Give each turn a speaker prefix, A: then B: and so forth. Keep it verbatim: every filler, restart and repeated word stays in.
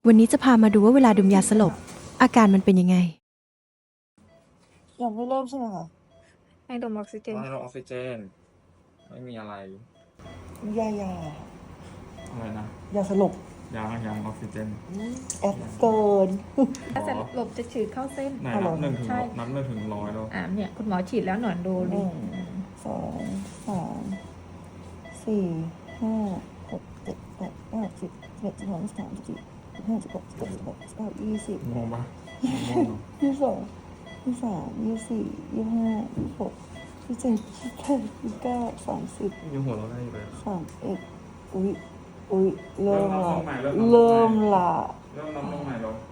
A: วันนี้จะพามาดูว่าเวลาดมยาสลบอาการมันเป็นยังไง
B: ยังไม่เริ่มใช่ไหมคะ
C: ให้ดมออกซิเจน
D: ให้เราออกซิเจน ไม่มีอะไร
B: ยายา
D: อะไรนะ
B: ยาสลบ
D: ยางยางออกซิเจน
B: แอปเกิน
C: ถ้าสลบจะฉีดเข้าเส้น
D: ไหน
B: อ๋อเหร
D: นั
B: อ
D: บหนึ่งถึง
C: ใช่
D: นับหนึ่งถึงร้อยแล้ว
C: อ่าเนี่ยคุณหมอฉีดแล้วหนอนดู
B: ห
C: ดิ
B: นึ่งสองสามสี่ห้าหกเจ็ดแปดเก้าสิบสิบเอ็ดสิบสองสิบสามสิบสี่สิบห้าสิบหกสิบเจ็ดสิบแปดสิบเก้ายี่สิบ
D: งงปะงงเนอะ
B: ยี่สิบสองยี่สิบสามยี่สิบสี่ยี่สิบห้ายี่สิบหกยี่สิบเจ็ดยี่สิบแปดยี่สิบเก้าสามสิบ
D: ยังหัวเราะได้อยู่เลย
B: สามเอ็ดอุ้ยอุ้ยเริ่มละ
D: เริ่มนับลงใหม่เริ่
B: เริ่
D: ม
B: ม
D: นับลงใหม่
B: ละ
D: เริ่มนับลงใหม่แล้ว